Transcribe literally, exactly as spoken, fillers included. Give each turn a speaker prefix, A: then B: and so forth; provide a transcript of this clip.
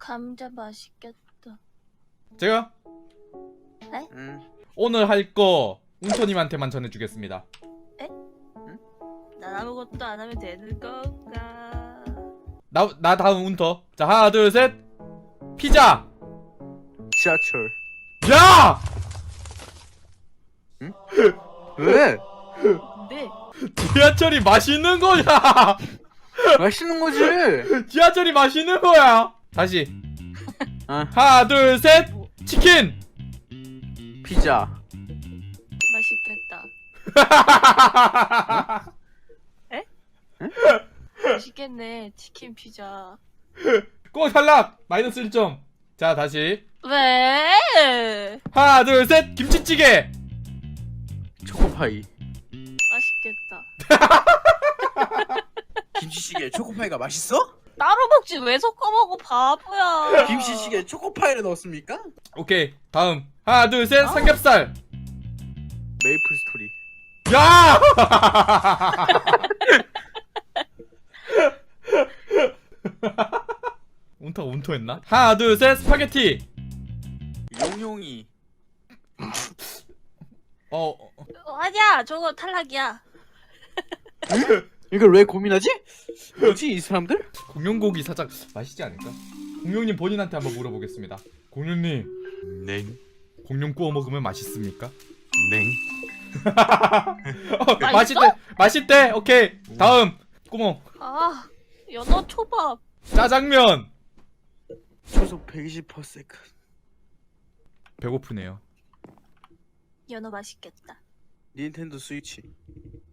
A: 감자 맛있겠다.
B: 제가
A: 에?
C: 응.
B: 오늘 할 거 웅토님한테만 전해주겠습니다.
A: 난 아무것도 안 하면 되는 건가?
B: 나, 나 다음 웅터. 자, 하나 둘 셋. 피자.
C: 지하철.
B: 야!
C: 왜?
A: 네.
B: 지하철이 맛있는 거야.
C: 맛있는 거지.
B: 지하철이 맛있는 거야. 다시.
C: 어.
B: 하나 둘 셋. 치킨.
C: 피자.
A: 맛있겠다. 에? 맛있겠네. 치킨 피자.
B: 꼭 탈락. 마이너스 일 점. 자, 다시.
A: 왜?
B: 하나 둘 셋. 김치찌개.
C: 초코파이.
A: 맛있겠다.
D: 김치찌개에 초코파이가 맛있어?
A: 따로 먹지 왜 섞어 먹어 바보야.
D: 김치찌개에 초코파이를 넣었습니까?
B: 오케이. 다음. 하나 둘 셋. 삼겹살.
C: 메이플 스토리.
B: 야! 운터가 운터했나? 하나 둘 셋. 스파게티.
C: 용용이.
B: 어, 어.
A: 어, 아니야 저거 탈락이야.
C: 이걸 왜 고민하지? 뭐지 이 사람들?
B: 공룡고기 살짝 맛있지 않을까? 공룡님 본인한테 한번 물어보겠습니다. 공룡님,
C: 냉.
B: 공룡 구워 먹으면 맛있습니까?
C: 냉.
B: 어, 맛있대, 맛있대. 오케이. 다음 구멍.
A: 아 연어 초밥.
B: 짜장면.
C: 초속 백이십 퍼센트.
B: 배고프네요.
A: 연어 맛있겠다.
C: 닌텐도 스위치.